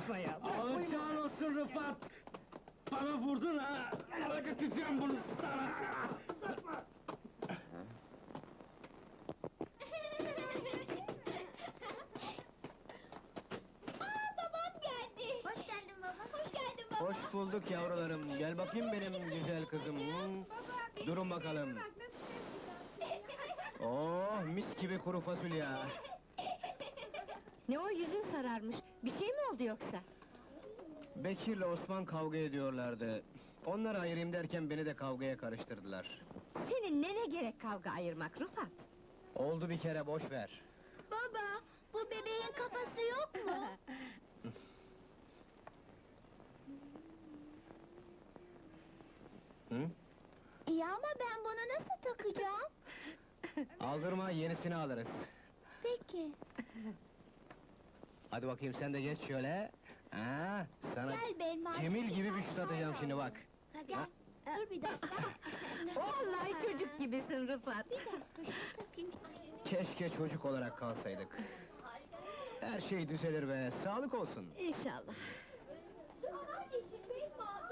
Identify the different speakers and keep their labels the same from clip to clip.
Speaker 1: yaklaşma ya!
Speaker 2: Alacağın olsun Rıfat! Bana vurdun ha! Ödeteceğim bunu sana!
Speaker 3: Babam geldi! Hoş geldin baba! Hoş geldin baba!
Speaker 1: Hoş bulduk yavrularım, gel bakayım benim güzel kızım. Durun bakalım. Oh, mis gibi kuru fasulye!
Speaker 4: Ne o, yüzün sararmış? Bir şey mi oldu yoksa?
Speaker 1: Bekir'le Osman kavga ediyorlardı. Onları ayırayım derken beni de kavgaya karıştırdılar.
Speaker 4: Senin ne gerek kavga ayırmak Rıfat?
Speaker 1: Oldu bir kere, boş ver.
Speaker 3: Baba, bu bebeğin kafası yok mu?
Speaker 1: Hı?
Speaker 3: İyi ama ben bunu nasıl takacağım?
Speaker 1: Aldırma, yenisini alırız.
Speaker 3: Peki.
Speaker 1: Hadi bakayım, sen de geç şöyle. Ha, sana
Speaker 3: Gel Belmacığım.
Speaker 1: Cemil gibi bir şut atacağım şimdi bak.
Speaker 3: Ha, gel. Dur bir dakika.
Speaker 4: Vallahi çocuk gibisin Rıfat!
Speaker 3: Bir dakika, şunu takayım.
Speaker 1: Keşke çocuk olarak kalsaydık. Her şey düzelir be, sağlık olsun.
Speaker 4: İnşallah!
Speaker 3: Kardeşim, Belma,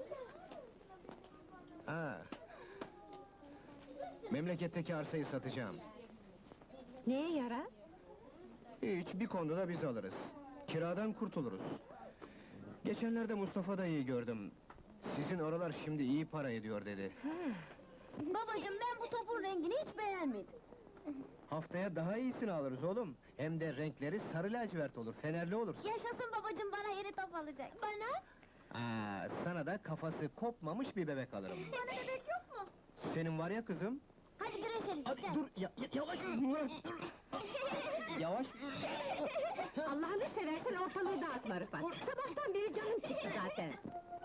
Speaker 1: Ha. Memleketteki arsayı satacağım.
Speaker 4: Neye yarar?
Speaker 1: Hiç, bir konuda biz alırız. Kiradan kurtuluruz. Geçenlerde Mustafa dayıyı gördüm. Sizin oralar şimdi iyi para ediyor dedi.
Speaker 3: Babacığım, ben bu topun rengini hiç beğenmedim.
Speaker 1: Haftaya daha iyisini alırız oğlum. Hem de renkleri sarı lacivert olur, fenerli olur.
Speaker 3: Yaşasın babacığım, bana yeni top alacak. Bana?
Speaker 1: Sana da kafası kopmamış bir bebek alırım.
Speaker 3: Bana bebek yok mu?
Speaker 1: Senin var ya kızım.
Speaker 3: Hadi güreşelim,
Speaker 1: Hadi
Speaker 3: gel.
Speaker 1: dur, yavaş Murat, dur! Yavaş!
Speaker 4: Allah'ını seversen ortalığı dağıtma Rıfat! Sabahtan beri canım çıktı zaten!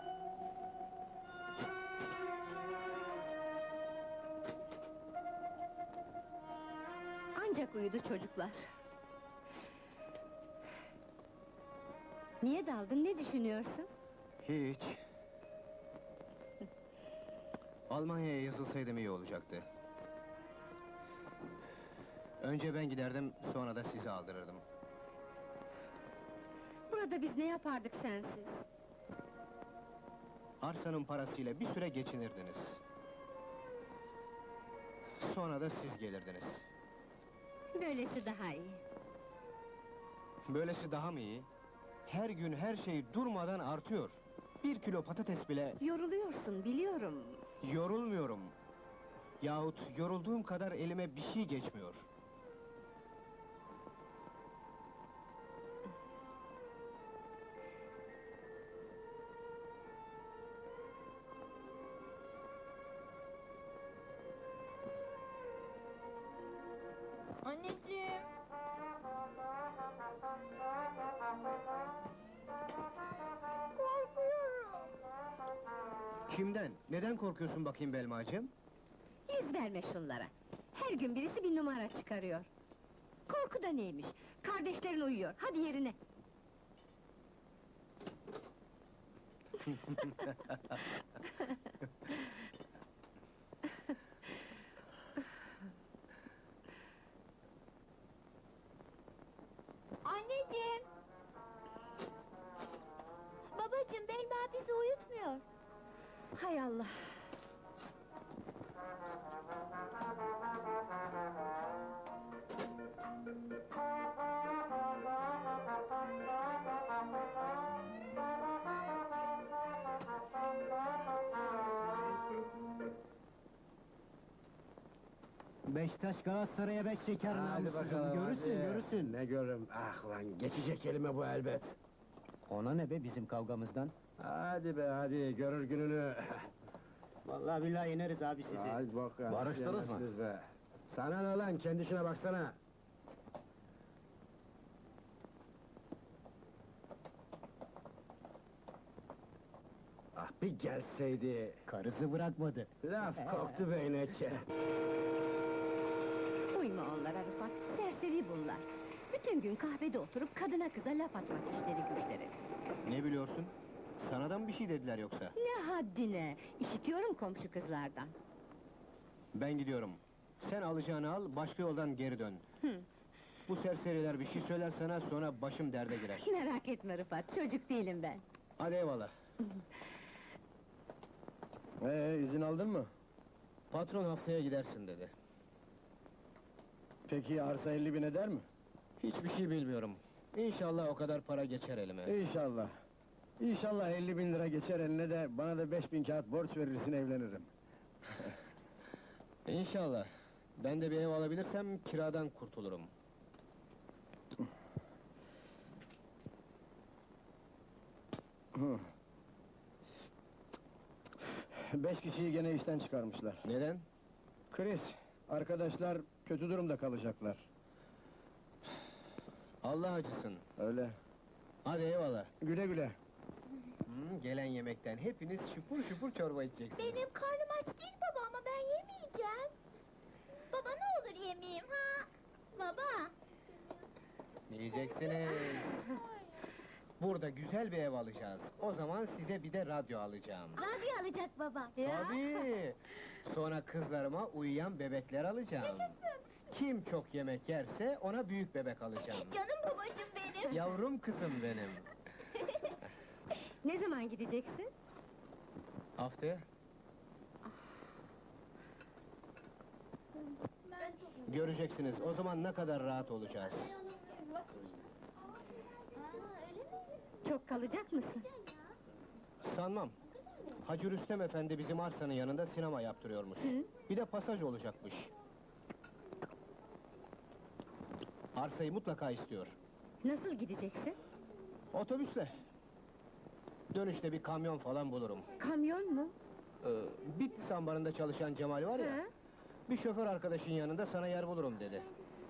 Speaker 4: Ancak uyudu çocuklar. Niye daldın, ne düşünüyorsun?
Speaker 1: Hiç. Almanya'ya yazılsaydım iyi olacaktı. Önce ben giderdim, sonra da sizi aldırırdım.
Speaker 4: Burada biz ne yapardık sensiz?
Speaker 1: Arsanın parasıyla bir süre geçinirdiniz. Sonra da siz gelirdiniz.
Speaker 4: Böylesi daha iyi.
Speaker 1: Böylesi daha mı iyi? Her gün her şey durmadan artıyor. 1 kilo patates bile...
Speaker 4: Yoruluyorsun, biliyorum.
Speaker 1: Yorulmuyorum. Yahut yorulduğum kadar elime bir şey geçmiyor.
Speaker 3: Anneciğim. Korkuyorum.
Speaker 1: Kimden? Neden korkuyorsun bakayım Belmacığım?
Speaker 4: Yüz verme şunlara! Her gün birisi bir numara çıkarıyor. Korku da neymiş? Kardeşlerin uyuyor, hadi yerine!
Speaker 3: Anneciğim! Babacığım, Belma bizi uyutmuyor.
Speaker 4: Hay Allah!
Speaker 2: Beşiktaş Galatasaray'a 5 şeker namussuzum, görürsün.
Speaker 5: Ne görürüm, ah lan, geçecek elime bu elbet!
Speaker 2: Ona ne be bizim kavgamızdan?
Speaker 5: Hadi be, hadi, görür gününü!
Speaker 2: Vallahi billahi ineriz abi sizi.
Speaker 5: Hadi bakalım,
Speaker 1: Barıştınız mı?
Speaker 5: yemezsiniz be! Sana ne lan, kendi işine baksana! Ah, bir gelseydi!
Speaker 2: Karısı bırakmadı.
Speaker 5: Laf koktu beynek!
Speaker 4: Uyma onlara Rıfat, serseri bunlar! Bütün gün kahvede oturup kadına kıza laf atmak işleri güçleri!
Speaker 1: Ne biliyorsun? Sana da mı bir şey dediler yoksa?
Speaker 4: Ne haddine! İşitiyorum komşu kızlardan!
Speaker 1: Ben gidiyorum. Sen alacağını al, başka yoldan geri dön. Bu serseriler bir şey söyler sana, sonra başım derde girer.
Speaker 4: Merak etme Rıfat, çocuk değilim ben.
Speaker 1: Hadi eyvallah.
Speaker 6: İzin aldın mı?
Speaker 1: Patron haftaya gidersin dedi.
Speaker 6: Peki arsa 50 bin eder mi?
Speaker 1: Hiçbir şey bilmiyorum. İnşallah o kadar para geçer elime.
Speaker 6: İnşallah. İnşallah 50 bin lira geçer eline de bana da 5 bin kağıt borç verirsin, evlenirim.
Speaker 1: İnşallah. Ben de bir ev alabilirsem kiradan kurtulurum.
Speaker 6: Beş kişiyi gene işten çıkarmışlar.
Speaker 1: Neden?
Speaker 6: Kriz, arkadaşlar kötü durumda kalacaklar.
Speaker 1: Allah acısın.
Speaker 6: Öyle.
Speaker 1: Hadi eyvallah.
Speaker 6: Güle güle.
Speaker 1: Gelen yemekten hepiniz şupur şupur çorba içeceksiniz.
Speaker 3: Benim karnım aç değil baba ama ben yemeyeceğim. Baba ne olur yemeyeyim ha? Baba.
Speaker 1: Yiyeceksiniz. Burada güzel bir ev alacağız. O zaman size bir de radyo alacağım.
Speaker 3: Radyo alacak baba.
Speaker 1: Tabii. Sonra kızlarıma uyuyan bebekler alacağım. Kim çok yemek yerse ona büyük bebek alacağım.
Speaker 3: Canım babacığım benim.
Speaker 1: Yavrum kızım benim.
Speaker 4: Ne zaman gideceksin?
Speaker 1: Haftaya. Göreceksiniz, o zaman ne kadar rahat olacağız.
Speaker 4: Çok kalacak mısın?
Speaker 1: Sanmam. Hacı Rüstem Efendi bizim arsanın yanında sinema yaptırıyormuş. Bir de pasaj olacakmış. Arsayı mutlaka istiyor.
Speaker 4: Nasıl gideceksin?
Speaker 1: Otobüsle. Dönüşte bir kamyon falan bulurum.
Speaker 4: Kamyon mu?
Speaker 1: Bitlis ambarında çalışan Cemal var ya,
Speaker 4: Ha?
Speaker 1: bir şoför arkadaşın yanında sana yer bulurum dedi.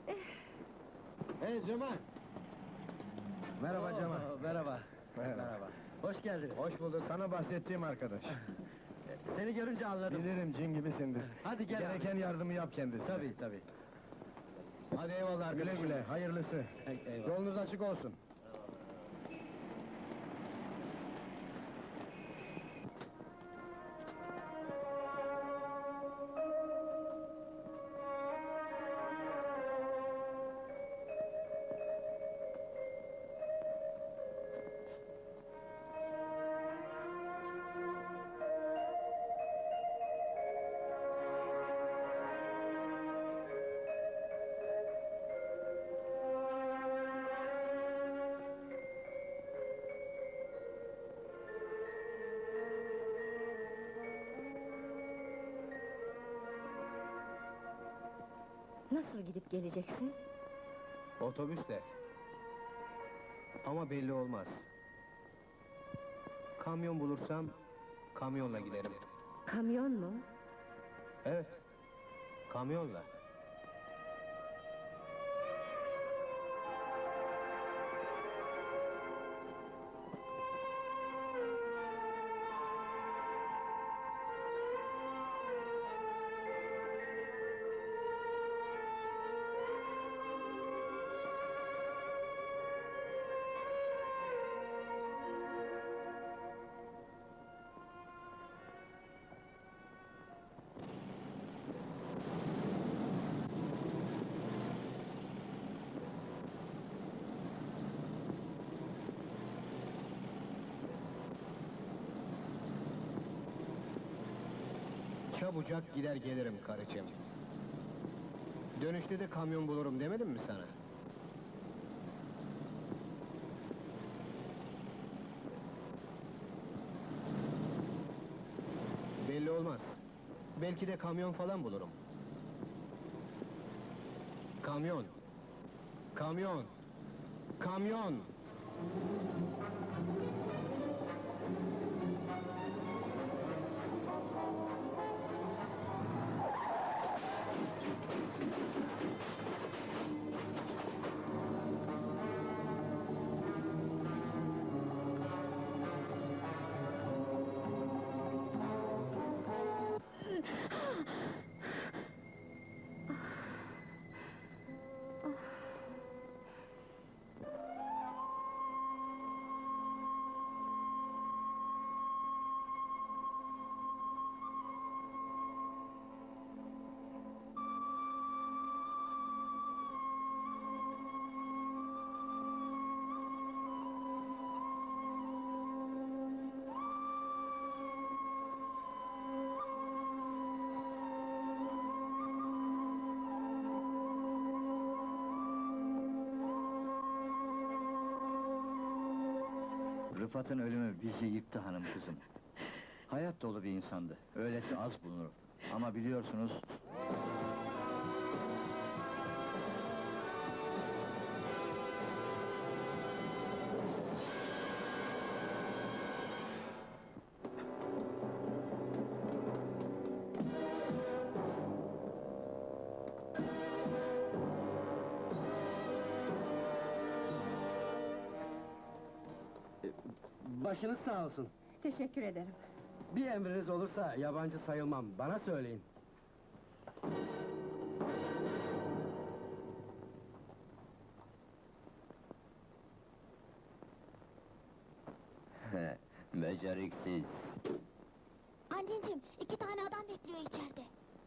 Speaker 6: Hey Cemal!
Speaker 5: Merhaba Cemal.
Speaker 6: Merhaba.
Speaker 5: Merhaba. Hoş geldiniz.
Speaker 6: Hoş bulduk, sana bahsettiğim arkadaş.
Speaker 5: Seni görünce anladım.
Speaker 6: Bilirim, cin gibisindir.
Speaker 5: Hadi gel
Speaker 6: Gereken yardımı yap kendisine.
Speaker 5: Tabii.
Speaker 1: Hadi eyvallah
Speaker 6: Güle
Speaker 1: arkadaşım.
Speaker 6: güle, hayırlısı.
Speaker 5: Eyvallah.
Speaker 6: Yolunuz açık olsun.
Speaker 4: Nasıl gidip geleceksin?
Speaker 1: Otobüsle. Ama belli olmaz. Kamyon bulursam, kamyonla giderim.
Speaker 4: Kamyon mu?
Speaker 1: Evet, kamyonla. Çabucak gider gelirim karıcığım. Dönüşte de kamyon bulurum demedim mi sana? Belli olmaz. Belki de kamyon falan bulurum. Kamyon! Kamyon! Kamyon!
Speaker 7: Rıfat'ın ölümü bizi yıktı hanım kızım. Hayat dolu bir insandı, öylesi az bulunur. Ama biliyorsunuz...
Speaker 2: Başınız sağ olsun.
Speaker 4: Teşekkür ederim.
Speaker 2: Bir emriniz olursa yabancı sayılmam, bana söyleyin.
Speaker 8: Beceriksiz.
Speaker 3: Anneciğim, 2 tane adam bekliyor içeride.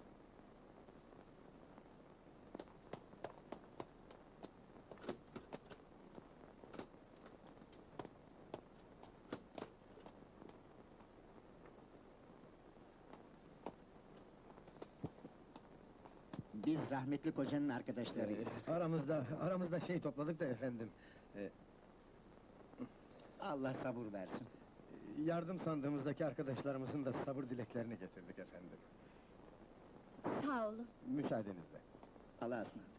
Speaker 5: Biz rahmetli kocanın arkadaşlarıyız.
Speaker 6: Aramızda şey topladık da efendim.
Speaker 5: Allah sabır versin.
Speaker 6: Yardım sandığımızdaki arkadaşlarımızın da sabır dileklerini getirdik efendim.
Speaker 4: Sağ olun.
Speaker 6: Müsaadenizle.
Speaker 5: Allah'a ısmarladık.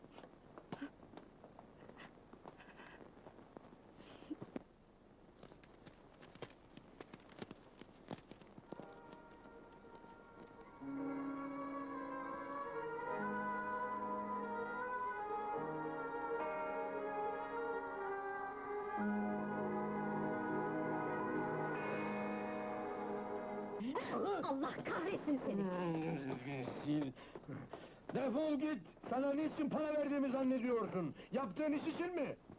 Speaker 4: Allah kahretsin seni!
Speaker 6: Defol git! Sana niçin para verdiğimi zannediyorsun? Yaptığın iş için mi?